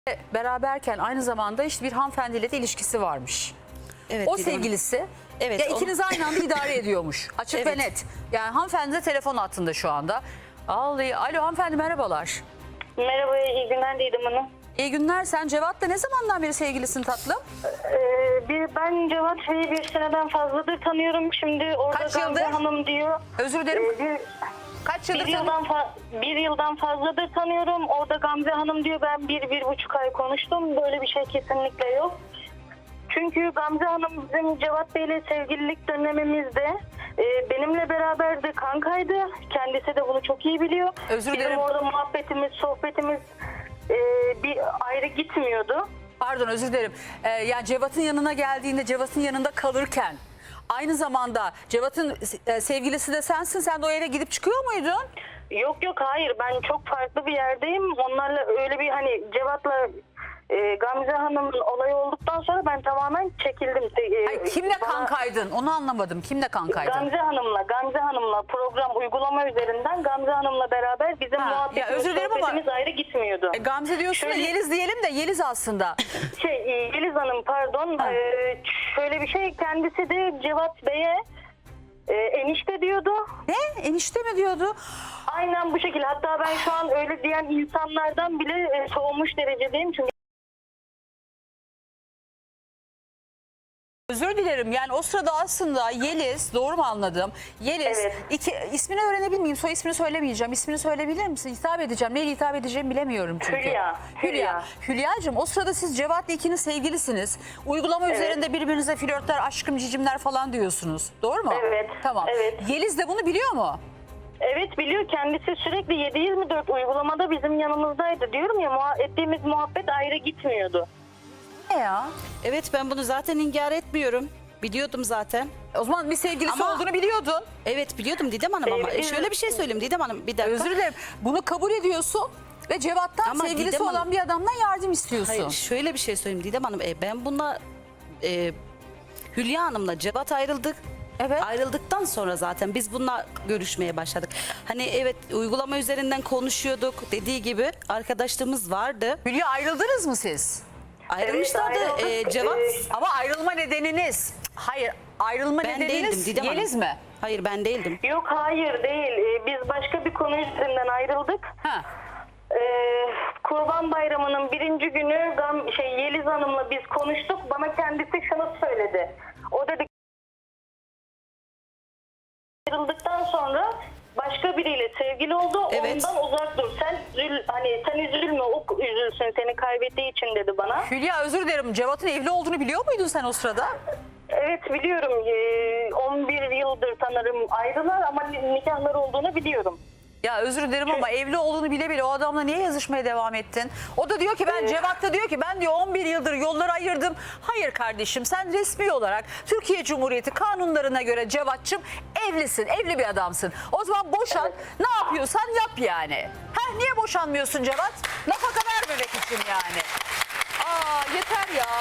Beraberken aynı zamanda işte bir hanımefendiyle de ilişkisi varmış. Evet, O Didem Hanım. sevgilisi Evet, ya onu- ikiniz aynı anda idare ediyormuş. Açık ve Evet. net. Yani hanımefendi de telefon hattında şu anda. Alo hanımefendi, merhabalar. Merhaba, iyi günler Didem Hanım. İyi günler. Sen Cevat'la ne zamandan beri sevgilisin tatlım? Ben Cevat Bey'i bir seneden fazladır tanıyorum. Şimdi orada Kaç Gamze yıldır? Hanım diyor. Özür dilerim. Kaç yıldır Bir yıldan fazladır tanıyorum. Orada Gamze Hanım diyor, ben 1-1,5 ay konuştum. Böyle bir şey kesinlikle yok. Çünkü Gamze Hanım bizim Cevat Bey'le sevgililik dönemimizde benimle beraber de kankaydı. Kendisi de bunu çok iyi biliyor. Özür dilerim. Bizim orada muhabbetimiz, sohbetimiz bir ayrı gitmiyordu. Pardon, özür dilerim. Yani Cevat'ın yanına geldiğinde, Cevat'ın yanında kalırken aynı zamanda Cevat'ın sevgilisi de sensin. Sen de o eve gidip çıkıyor muydun? Yok hayır, ben çok farklı bir yerdeyim. Onlarla öyle bir hani Cevat'la Gamze Hanım'ın olayı olduktan sonra ben tamamen çekildim. Ay, kimle Bana- kankaydın? Onu anlamadım. Kimle kankaydın? Gamze Hanım'la program uygulama üzerinden Gamze Hanım'la beraber bizim Ha, ya muhabbetimiz, özür dilerim ama- sohbetimiz ayrı gitmiyordu. Gamze diyorsun da Şöyle- Yeliz diyelim de Yeliz aslında. Yeliz Hanım pardon, Ha. şöyle bir şey, kendisi de Cevat Bey'e enişte diyordu. Ne? Enişte mi diyordu? Aynen bu şekilde. Hatta ben şu an öyle diyen insanlardan bile soğumuş derecedeyim. Çünkü Özür dilerim. Yani o sırada aslında Yeliz, doğru mu anladım? Yeliz, Evet. ismini öğrenebilir miyim? Soy ismini söylemeyeceğim. İsmini söyleyebilir misin? Hitap edeceğim. Neyle hitap edeceğimi bilemiyorum çünkü. Hülya. Hülya'cığım, o sırada siz Cevat'la ikiniz sevgilisiniz. Uygulama üzerinde birbirinize flörtler, aşkım, cicimler falan diyorsunuz. Doğru mu? Evet, Tamam. evet. Yeliz de bunu biliyor mu? evet biliyor, kendisi sürekli 7/24 uygulamada bizim yanımızdaydı. Diyorum ya, ettiğimiz muhabbet ayrı gitmiyordu. Ne ya? Evet, ben bunu zaten inkar etmiyorum. Biliyordum zaten. O zaman bir sevgilisi Ama- olduğunu biliyordun. Evet, biliyordum Didem Hanım ama Evet. şöyle bir şey söyleyeyim Didem Hanım, bir dakika. Özür dilerim. Bunu kabul ediyorsun ve Cevat'tan Ama sevgilisi Didem Hanım- olan bir adamdan yardım istiyorsun. Hayır, şöyle bir şey söyleyeyim Didem Hanım. Ben bununla Hülya Hanım'la Cevat ayrıldık. Evet. Ayrıldıktan sonra zaten biz bununla görüşmeye başladık. Hani evet, uygulama üzerinden konuşuyorduk. Dediği gibi arkadaşlığımız vardı. Hülya, ayrıldınız mı siz? Ayrılmışlardı. ayrıldık. Cevat Ama ayrılma nedeniniz, hayır, ayrılma ben nedeniniz değildim Didem Hanım. Yeliz mi? Hayır, ben değildim. Yok hayır değil. Biz başka bir konu üzerinden ayrıldık. Ha. Kurban Bayramı'nın 1. günü Yeliz Hanım'la biz konuştuk. Bana kendisi şunu söyledi. O dedi, ayrıldıktan sonra başka biriyle sevgili oldu. Evet. Ondan uzak dur. Sen üzülme, o üzülsün seni kaybettiği için dedi bana. Hülya, özür dilerim, Cevat'ın evli olduğunu biliyor muydun sen o sırada? Evet biliyorum. 11 yıldır sanırım ayrılar ama nikahları olduğunu biliyorum. Ya özür dilerim ama evli olduğunu bile bile o adamla niye yazışmaya devam ettin? O da diyor ki Cevat da diyor ki ben diyor 11 yıldır yolları ayırdım. Hayır kardeşim, sen resmi olarak Türkiye Cumhuriyeti kanunlarına göre Cevat'cığım evlisin, evli bir adamsın. O zaman boşan, ne yapıyorsan yap yani. Niye boşanmıyorsun Cevat? Nafaka vermemek için yani. Yeter ya.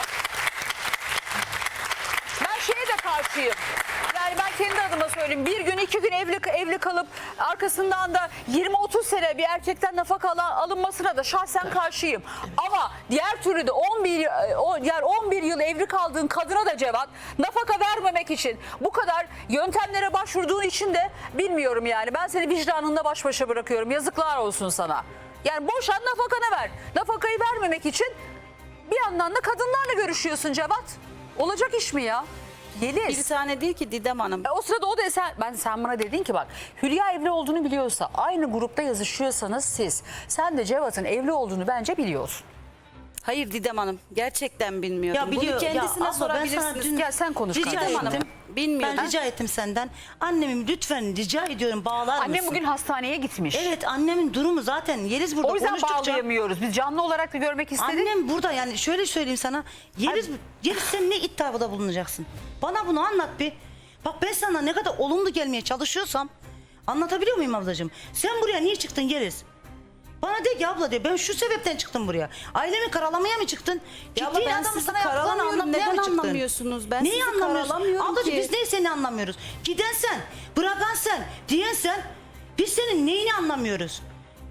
Ben şeye de karşıyım. Yani ben kendi adıma söyleyeyim. Bir gün, 2 gün evli kalıp arkasından da 20-30 sene bir erkekten nafaka alınmasına da şahsen karşıyım. Ama diğer türlü de 11 yıl evli kaldığın kadına da Cevat nafaka vermemek için bu kadar yöntemlere başvurduğun için de bilmiyorum yani. Ben seni vicdanınla baş başa bırakıyorum. Yazıklar olsun sana. Yani boşan, nafakanı ver. Nafakayı vermemek için bir yandan da kadınlarla görüşüyorsun Cevat. Olacak iş mi ya? Yeliz. Bir tane değil ki Didem Hanım. O sırada o da sen bana dedin ki bak, Hülya evli olduğunu biliyorsa, aynı grupta yazışıyorsanız sen de Cevat'ın evli olduğunu bence biliyorsun. Hayır Didem Hanım, gerçekten bilmiyordum. Ya biliyor, Bunu kendisine ya abla, ben sana sorabilirsiniz. dün Gel sen konuş rica kardeşim. ettim. Bilmiyordum. Ben rica ettim senden. Annemim lütfen rica ediyorum, bağlar mısın? Annem bugün hastaneye gitmiş. Evet, annemin durumu zaten Yeliz burada O yüzden konuştukça. bağlayamıyoruz. Biz canlı olarak da görmek istedik. Annem burada, yani şöyle söyleyeyim sana. Yeliz sen ne iddiada bulunacaksın? Bana bunu anlat bir. Bak, ben sana ne kadar olumlu gelmeye çalışıyorsam anlatabiliyor muyum ablacığım? Sen buraya niye çıktın Yeliz? Bana de ki abla de, ben şu sebepten çıktım buraya. Ailemi karalamaya mı çıktın? Ya abla, ben adamı sizi sana yaptıklarını karalamıyorum. anlatmaya Neden mı çıktın? anlamıyorsunuz? Ben Neyi sizi anlamıyorsun? karalamıyorum Ablacığım ki. biz neyi seni anlamıyoruz? Giden sen, bırakan sen, diyen sen. Biz senin neyini anlamıyoruz?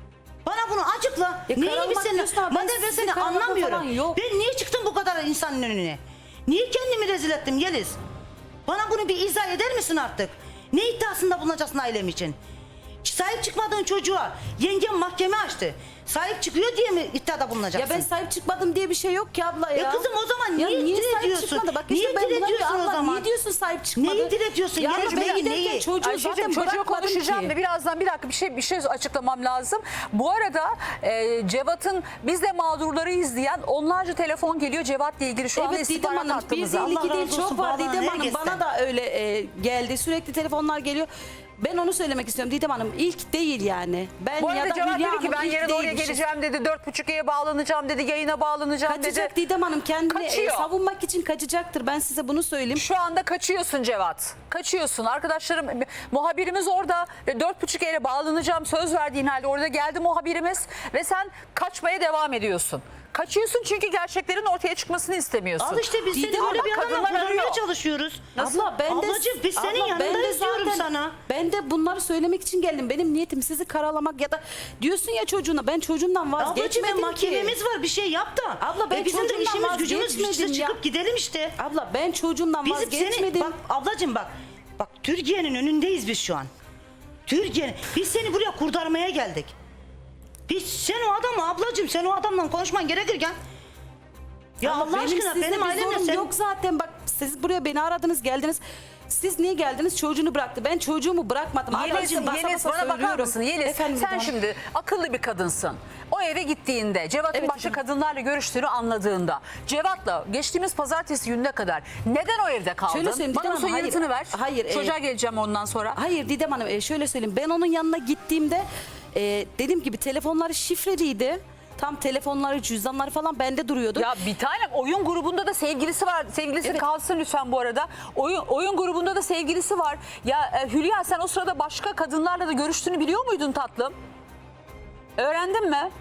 Bana bunu açıkla. Ya Neyi karalamak biz seni, diyorsun ama ben madem ben sizi seni karalamak anlamıyorum. falan yok. Ben niye çıktım bu kadar insanın önüne? Niye kendimi rezil ettim Yeliz? Bana bunu bir izah eder misin artık? Ne iddiasında bulunacaksın ailem için? Sahip çıkmadığın çocuğa yengem mahkeme açtı. Sahip çıkıyor diye mi iddiada Ya bulunacaksın? ben sahip çıkmadım diye bir şey yok ki abla ya. Kızım o zaman Ya niye sahip diretiyorsun? çıkmadı? Bak Niye işte ben buna diretiyorsun bir o Allah, zaman? Niye diyorsun sahip çıkmadı? Neyi diretiyorsun? Ya Yeliz, ben neyi, giderken neyi? çocuğu Ayşe'cim, zaten çocuğa bırakmadım konuşacağım ki. ve birazdan bir dakika bir şey açıklamam lazım. Bu arada Cevat'ın biz de mağdurları izleyen onlarca telefon geliyor Cevat'la ilgili şu anda Evet Didem istihbarat Hanım hattımıza. 152 Allah değil razı olsun, çok var bağlanan Didem Hanım. herkesten. Bana da öyle geldi. Sürekli telefonlar geliyor. Ben onu söylemek istiyorum Didem Hanım. İlk değil yani. Ben Bu ya arada da Cevat Hülya dedi ki Hanım ben ilk yarın oraya değilmişiz. geleceğim dedi. 4.30'ya bağlanacağım dedi. Yayına bağlanacağım Kaçacak dedi. Didem Hanım kendini Kaçıyor. savunmak için kaçacaktır. Ben size bunu söyleyeyim. Şu anda kaçıyorsun Cevat. Kaçıyorsun. Arkadaşlarım muhabirimiz orada. 4.30'ya bağlanacağım söz verdiğin halde orada geldi muhabirimiz ve sen kaçmaya devam ediyorsun. Kaçıyorsun çünkü gerçeklerin ortaya çıkmasını istemiyorsun. Al işte biz seni Didem böyle abla, bir adamla kadınlar kurtarmaya arıyor. çalışıyoruz. Abla ben de Ablacığım biz senin abla, ben de yanındayız diyorum zaten- sana. Ben de bunları söylemek için geldim. Benim niyetim sizi karalamak ya da diyorsun ya çocuğuna ben çocuğumdan Ablacığım vazgeçmedim ki. mahkememiz var bir şey yap da. Abla, ben bizim de çocuğumdan işimiz gücümüz vazgeçmedim işte ya. çıkıp gidelim işte. Abla ben çocuğumdan Bizim vazgeçmedim. bak ablacığım bak. Bak Türkiye'nin önündeyiz biz şu an. Türkiye'nin. Biz seni buraya kurtarmaya geldik. Sen o adamı ablacığım sen o adamla konuşman gerekirken. Ya Ama Allah aşkına sizle benim bir ailemle zorum sen... yok zaten. Bak siz buraya beni aradınız geldiniz. Siz niye geldiniz? Çocuğunu bıraktı. Ben çocuğumu bırakmadım. Yeliz, Ablacığım, basa Yeliz basa bana bakar söylüyorum. mısın? Yeliz Efendim, sen Didem Hanım. şimdi akıllı bir kadınsın. O eve gittiğinde Cevat'ın Evet, başka Didem. kadınlarla görüştüğünü anladığında Cevat'la geçtiğimiz pazartesi gününe kadar neden o evde kaldın? Şöyle söyleyeyim, Bana Didem bu Hanım, yanıtını hayır. ver. Hayır, Çocuğa geleceğim ondan sonra. Hayır Didem Hanım şöyle söyleyeyim. Ben onun yanına gittiğimde dediğim gibi telefonları şifreliydi. Tam telefonları, cüzdanları falan bende duruyordu. Ya bir tane oyun grubunda da sevgilisi var. Sevgilisi Evet. kalsın lütfen bu arada. Oyun grubunda da sevgilisi var. Ya Hülya sen o sırada başka kadınlarla da görüştüğünü biliyor muydun tatlım? Öğrendin mi?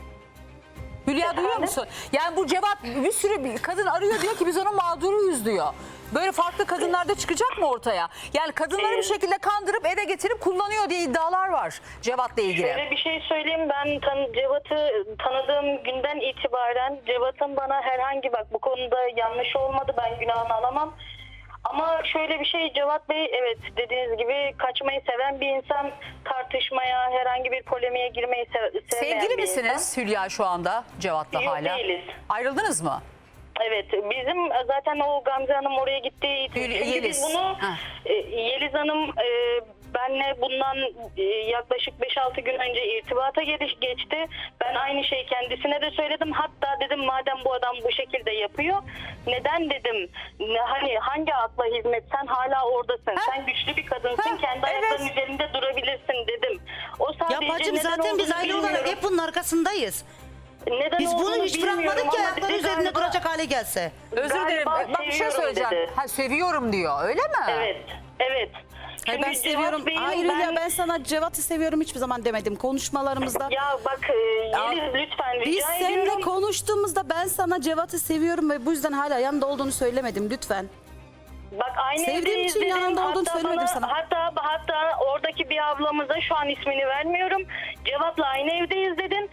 Hülya duyuyor musun? Yani bu Cevat bir sürü bir kadın arıyor diyor ki biz onun mağduruyuz diyor. Böyle farklı kadınlar da çıkacak mı ortaya? Yani kadınları bir şekilde kandırıp eve getirip kullanıyor diye iddialar var Cevat'la ilgili. Şöyle bir şey söyleyeyim, ben Cevat'ı tanıdığım günden itibaren Cevat'ın bana herhangi bu konuda yanlış olmadı, ben günahını alamam. Ama şöyle bir şey, Cevat Bey evet dediğiniz gibi kaçmayı seven bir insan, tartışmaya, herhangi bir polemiğe girmeyi sevmeyen Sevgili bir misiniz insan. Hülya şu anda Cevat'la Yok, hala? değiliz. Ayrıldınız mı? Evet, bizim zaten o Gamze Hanım oraya gittiği için çünkü Yeliz. biz bunu Ha. Yeliz Hanım benle bundan yaklaşık 5-6 gün önce irtibata geçti. Ben aynı şeyi kendisine de söyledim. Hatta dedim madem bu adam bu şekilde yapıyor, neden dedim, hani hangi akla hizmet, sen hala oradasın. Sen güçlü bir kadınsın, Ha, kendi evet. ayaklarının üzerinde durabilirsin dedim. O sadece Ya bacım neden zaten biz olduğunu aile olarak bilmiyorum. hep bunun arkasındayız. Neden Biz bunu olduğunu hiç bilmiyorum bırakmadık ki ama ayakları dedi üzerinde galiba- duracak hale gelse. Özür Galiba dilerim. Bak bir şey seviyorum söyleyeceğim. dedi. Ha, seviyorum diyor öyle mi? Evet, evet. Hayır, ben Çünkü seviyorum. Cevat Bey'in Hayır Hülya ben sana Cevat'ı seviyorum hiçbir zaman demedim konuşmalarımızda. Ya bak Yeliz lütfen Biz rica seninle ediyorum. konuştuğumuzda ben sana Cevat'ı seviyorum ve bu yüzden hala yanında olduğunu söylemedim lütfen. Bak aynı Sevdiğim evdeyiz için dedim. yanında olduğunu Hatta söylemedim sana. Hatta oradaki bir ablamıza, şu an ismini vermiyorum, Cevat'la aynı evdeyiz dedin.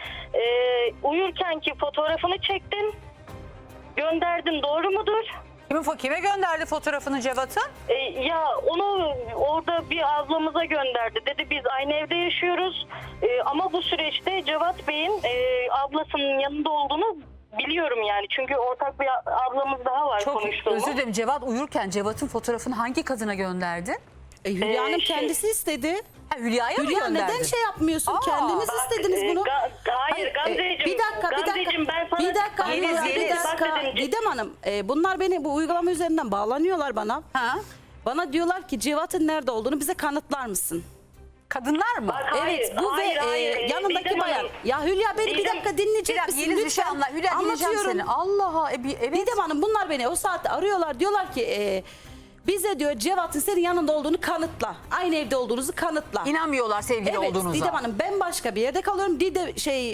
Uyurkenki fotoğrafını çektin. Gönderdin, doğru mudur? Kime gönderdi fotoğrafını Cevat'ın? Ya onu orada bir ablamıza gönderdi. Dedi biz aynı evde yaşıyoruz. Ama bu süreçte Cevat Bey'in ablasının yanında olduğunu biliyorum yani. Çünkü ortak bir ablamız daha var Çok konuştuğumuz. özür dilerim. Cevat uyurken Cevat'ın fotoğrafını hangi kadına gönderdi? Hülya Hanım şey- kendisi istedi. Ha, Hülya'ya mı Hülya gönderdi? neden şey yapmıyorsun? Aa, Kendiniz Bak, istediniz bunu. Hayır Gamzeciğim. Bir dakika. Gamzeciğim, ben sana... Bir dakika. Yeliz, Hülya, bir Yeliz. dakika. Bak dedim, Didem Hanım bunlar beni bu uygulama üzerinden bağlanıyorlar bana. Ha? Bana diyorlar ki Cevat'ın nerede olduğunu bize kanıtlar mısın? Kadınlar mı? Bak, Hayır, Evet bu hayır, ve hayır. yanındaki Didem bayan. Hanım. Ya Hülya beni bir Didem- dakika Bir dinleyecek dakika misin? Yeliz bir Lütfen. şey anla. Hülya dinleyeceğim seni. Allah evet. Didem Hanım bunlar beni o saatte arıyorlar. Diyorlar ki bize diyor Cevat'ın senin yanında olduğunu kanıtla. Aynı evde olduğunuzu kanıtla. İnanmıyorlar sevgili Evet olduğunuza. Didem Hanım ben başka bir yerde kalıyorum.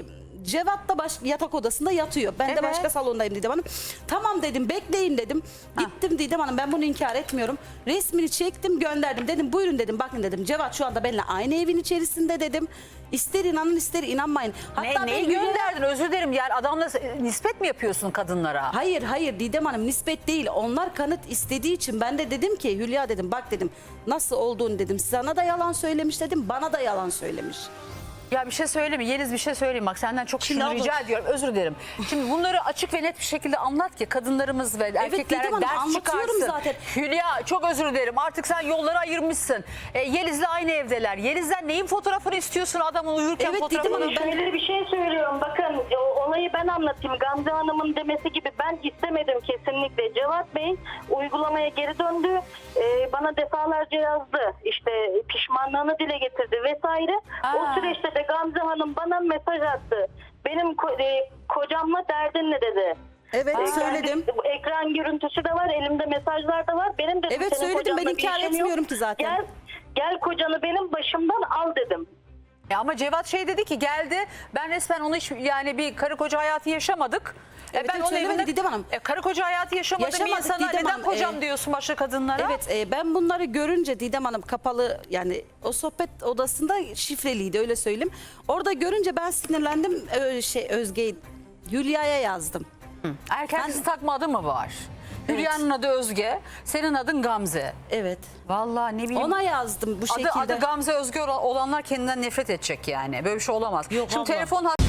Cevat da yatak odasında yatıyor. Ben Evet. de başka salondayım Didem Hanım. Tamam dedim, bekleyin dedim. Gittim Didem Hanım, ben bunu inkar etmiyorum. Resmini çektim, gönderdim. Dedim buyurun dedim, bakın dedim. Cevat şu anda benimle aynı evin içerisinde dedim. İster inanın ister inanmayın. Hatta Neyi ben Hülya'ya- gönderdin? Özür dilerim, yani adamla nispet mi yapıyorsun kadınlara? Hayır Didem Hanım, nispet değil. Onlar kanıt istediği için ben de dedim ki Hülya dedim, bak dedim nasıl olduğunu dedim. Sana da yalan söylemiş dedim, bana da yalan söylemiş. Ya bir şey söyleyeyim mi? Yeliz bir şey söyleyeyim, bak senden çok şunu abla- rica ediyorum, özür dilerim. Şimdi bunları açık ve net bir şekilde anlat ki kadınlarımız ve erkeklere Didem Hanım, ders anlatıyorum çıkarsın. zaten. Hülya çok özür dilerim, artık sen yolları ayırmışsın. Yeliz'le aynı evdeler. Yeliz'den neyin fotoğrafını istiyorsun, adamın uyurken Evet, fotoğrafını? Didem Hanım, Şöyle bir şey söylüyorum. Bakın olayı ben anlatayım. Gamze Hanım'ın demesi gibi ben istemedim kesinlikle. Cevat Bey uygulamaya geri döndü. Bana defalarca yazdı. İşte pişmanlığını dile getirdi vesaire. O süreçte de Gamze Hanım bana mesaj attı. Benim kocamla derdin ne dedi. Evet, Kendi söyledim. ekran görüntüsü de var, elimde mesajlar da var. Benim dedim, Evet, senin söyledim. Ben kocanla bir inkar işim yok. etmiyorum ki zaten. Gel kocanı benim başımdan al dedim. Ama Cevat şey dedi ki, geldi ben resmen onu hiç, yani bir karı koca hayatı yaşamadık. Evet, Ben evet, onun söylemedi evinde Didem Hanım. karı koca hayatı yaşamadığım bir Yaşamadık insana Didem neden Hanım, kocam diyorsun başka kadınlara? Evet, ben bunları görünce Didem Hanım kapalı, yani o sohbet odasında şifreliydi, öyle söyleyeyim. Orada görünce ben sinirlendim, Özge, Hülya'ya yazdım. Erkek kızı takma adı mı var? Hülya'nın adı Özge, senin adın Gamze. Evet. Vallahi ne bileyim. Ona yazdım bu şekilde. Adı Gamze Özge olanlar kendinden nefret edecek yani. Böyle bir şey olamaz. Yok Şimdi abla. telefon